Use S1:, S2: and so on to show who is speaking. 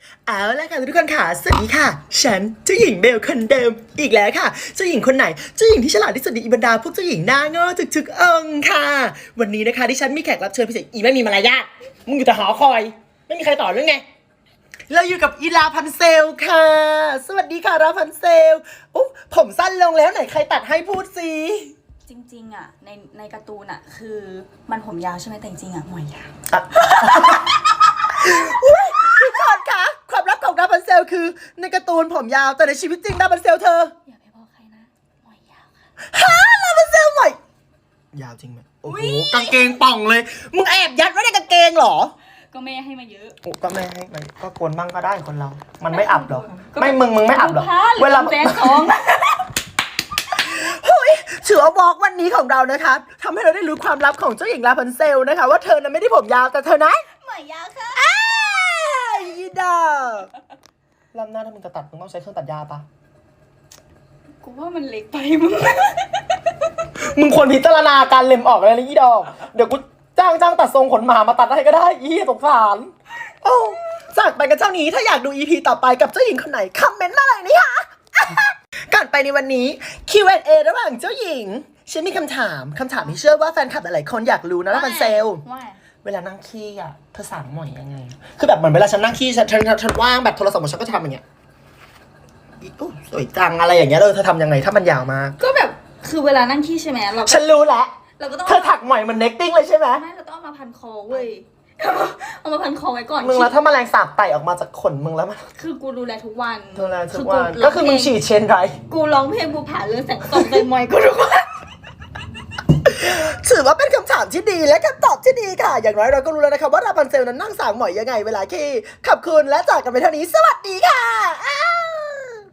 S1: เอาละค่ะทุกคนค่ะสวัสดีค่ะฉันเจ้าหญิงเบลคนเดิมอีกแล้วค่ะเจ้าหญิงคนไหนเจ้าหญิงที่ฉลาดที่สุดในบรรดาพวกเจ้าหญิงหน้าง้อถึกองค่ะวันนี้นะคะที่ฉันมีแขกรับเชิญพิเศษอีไม่มีมารยาทมึงอยู่แต่หอคอยไม่มีใครต่อเรื่องไงเราอยู่กับอีลาพันเซลค่ะสวัสดีค่ะลาพันเซลอุ๊บผมสั้นลงแล้วไหนใครตัดให้พูดสิ
S2: จริงๆอ่ะในการ์ตูนอ่ะคือมันผมยาวใช่ไหมแต่จริงๆอ่ะหมวยยาว
S1: ทุกคนคะความลับของดาบันเซลคือในการ์ตูนผมยาวแต่ในชีวิตจริงดาบันเซลเธอ
S2: อย่าไปบอกใครนะหมวยยาวค่ะ
S1: ดาบันเซลใหม่ยาวจริงไหมโอ้โหกางเกงป่องเลยมึงแอบยัดไว้ในกางเกงเหรอ
S2: ก็แม่ให้มาเยอะ
S1: ก็ไม่ให้ไปก็โกนบ้างก็ได้คนเรามันไม่อับหรอกไม่มึงไม่อับหรอกเวลา
S2: แฟนของ
S1: เฮ้ยถือว่าบอกวันนี้ของเรานะคะทำให้เราได้รู้ความลับของเจ้าหญิงลาพันเซลนะคะว่าเธอนั้นไม่ได้ผมยาวแต่เธอนะ
S2: หมวยยาวค่ะ
S1: อีดาลำหน้าถ้ามึงจะตัดมึงต้องใช้เครื่องตัดหญ้าปะ
S2: กูว่ามันเล็กไปมึง
S1: มึงควรพิจารณาการเล็มออกเลยนะอีดอกเดี๋ยวกูจ้างตัดทรงขนหมามาตัดให้ก็ได้อีสงสารโอ้จากไปกันเท่านี้ถ้าอยากดู EP ต่อไปกับเจ้าหญิงคนไหนคอมเมนต์มาเลยนี่ค่ะก่อนไปในวันนี้ Q&A ระหว่างเจ้าหญิงฉันมีคำถามที่เชื่อว่าแฟนคลับหลายๆคนอยากรู้นะพันเซลเวลานั่งขี้อ่ะเธอสั่งหมอยยังไงคือแบบเหมือนเวลาฉันนั่งขี้ฉันว่างแบบโทรศัพท์ฉันก็ทำอย่างเงี้ยอู้สวยจังอะไรอย่างเงี้ยเธอทำยังไงถ้ามันยาวมาก
S2: ก็แบบคือเวลานั่งขี้ใช่ไหม
S1: ฉันรู้แล้ว
S2: เราก็ต้อง
S1: เธอถักหมอยมันเน็กติ้งเลยใช่ไหม
S2: ไม่เราต้องเอามาพันคอเว้ยเอามาพันคอไว้ก่อน
S1: มึงแล้วถ้าแมลงสาบไต่ออกมาจากขนมึงแล้วมัน
S2: คือกูดูแลทุกวัน
S1: ก็คือมึงฉีดเชนไร
S2: กูร้องเพลงกูผ่านเรื่องแสงส่องใจมอยกูทุกวัน
S1: ถือว่าเป็นคำถามที่ดีและคำตอบที่ดีค่ะอย่างน้อยเราก็รู้แล้วนะคะว่าราพันเซลนั้นนั่งสางหมอยยังไงเวลาขี้ขอบคุณและจากกันไปเท่านี้สวัสดีค่ะ